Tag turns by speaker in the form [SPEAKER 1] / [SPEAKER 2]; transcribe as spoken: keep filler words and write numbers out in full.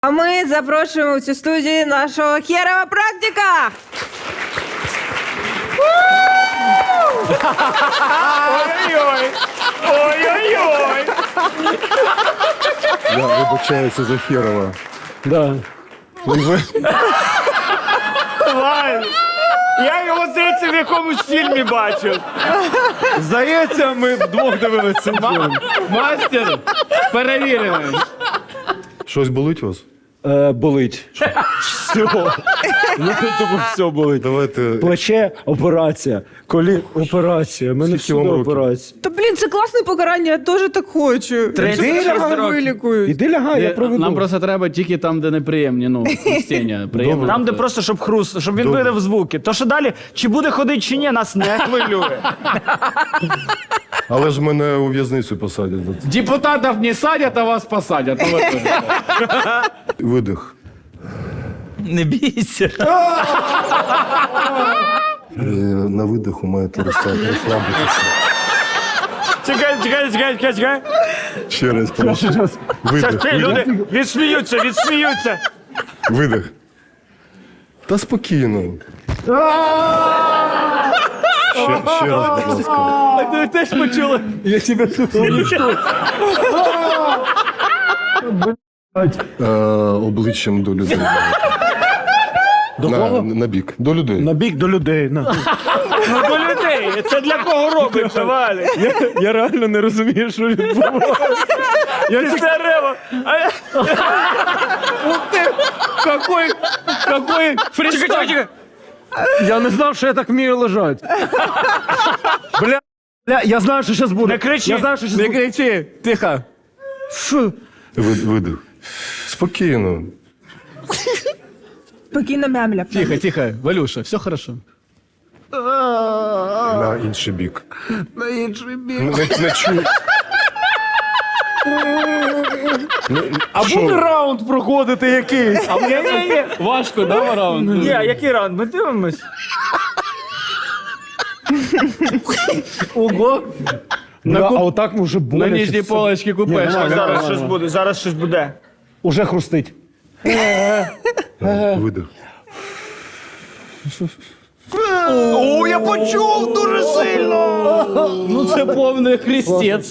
[SPEAKER 1] А ми запрошуємо в цю студію нашого херова практика.
[SPEAKER 2] Ой-ой-ой! Ой-ой-ой!
[SPEAKER 3] Я вибачаюся за Херова.
[SPEAKER 4] Да.
[SPEAKER 2] Вань! Я його, здається, в якомусь фільмі бачив.
[SPEAKER 4] Здається, ми вдвох дивилися цей фільм.
[SPEAKER 5] Мастер перевірений.
[SPEAKER 3] Щось болить у вас?
[SPEAKER 4] Е, болить. Все. Ну, тобі все болить.
[SPEAKER 3] Давайте.
[SPEAKER 4] Плече – операція. Колі – операція. Мене
[SPEAKER 3] Скільки вам
[SPEAKER 4] всюди
[SPEAKER 3] років?
[SPEAKER 4] операція.
[SPEAKER 1] Та, блін, це класне покарання, я теж так хочу.
[SPEAKER 5] тридцять шість років.
[SPEAKER 1] Вилікують.
[SPEAKER 4] Іди лягай, я проведу.
[SPEAKER 5] Нам просто треба тільки там, де неприємні, ну, хрустіння. Приємно.
[SPEAKER 2] Там, де просто, щоб хруст, щоб він
[SPEAKER 3] Добре.
[SPEAKER 2] видав звуки. То, що далі, чи буде ходити, чи ні, нас не хвилює.
[SPEAKER 3] Але ж мене у в'язницю посадять. за це.
[SPEAKER 5] Депутатів не садять, а вас посадять. Ну, ви теж.
[SPEAKER 3] Видих.
[SPEAKER 2] Не бійся.
[SPEAKER 3] Е, На видиху маєте розслаб- розслабитися.
[SPEAKER 2] Чекай, чекай, чекай, чекай, чекай.
[SPEAKER 3] Ще раз прошу.
[SPEAKER 2] Щас,
[SPEAKER 3] Видих.
[SPEAKER 2] ти, люди відсміються, відсміються.
[SPEAKER 3] Видих. Та спокійно. Ще, ще раз, будь ласка.
[SPEAKER 2] Ви теж почули?
[SPEAKER 4] Я тебе
[SPEAKER 3] Е, обличчям до людей.
[SPEAKER 4] До
[SPEAKER 3] на,
[SPEAKER 4] кого?
[SPEAKER 3] на бік. До людей.
[SPEAKER 4] На бік до людей. На.
[SPEAKER 2] Ну, до людей. Це для кого робиться, Валік?
[SPEAKER 4] Я, я реально не розумію, що відбувається. Я
[SPEAKER 2] Після рева. А я-
[SPEAKER 4] Какой, какой
[SPEAKER 2] Чекай, чекай, чекай.
[SPEAKER 4] Я не знав, що я так вмію лежати. Бля, бля, я знаю, що зараз буде.
[SPEAKER 2] Не кричи.
[SPEAKER 4] Я знаю, що зараз буде. Не кричи, тихо. Фу.
[SPEAKER 3] Вид- Видих. Спокійно.
[SPEAKER 1] Спокійно мямля.
[SPEAKER 5] Тихо, тихо. Валюша, все хорошо.
[SPEAKER 3] На інший бік.
[SPEAKER 4] На інший бік.
[SPEAKER 3] Не, не чую.
[SPEAKER 4] А
[SPEAKER 3] Що?
[SPEAKER 4] буде раунд проходити якийсь?
[SPEAKER 2] Ні, ні, ні.
[SPEAKER 5] Важко, да, раунд?
[SPEAKER 2] Ні, який раунд? Ми дивимось.
[SPEAKER 5] Ого.
[SPEAKER 4] На а отак вже
[SPEAKER 5] На
[SPEAKER 4] боляче.
[SPEAKER 5] нижній
[SPEAKER 4] все.
[SPEAKER 5] полочці купеш.
[SPEAKER 4] Ні,
[SPEAKER 2] Зараз щось буде, зараз щось буде.
[SPEAKER 4] Уже хрустить.
[SPEAKER 3] Видих.
[SPEAKER 2] О, я почув дуже сильно.
[SPEAKER 5] Ну це повний хрестець.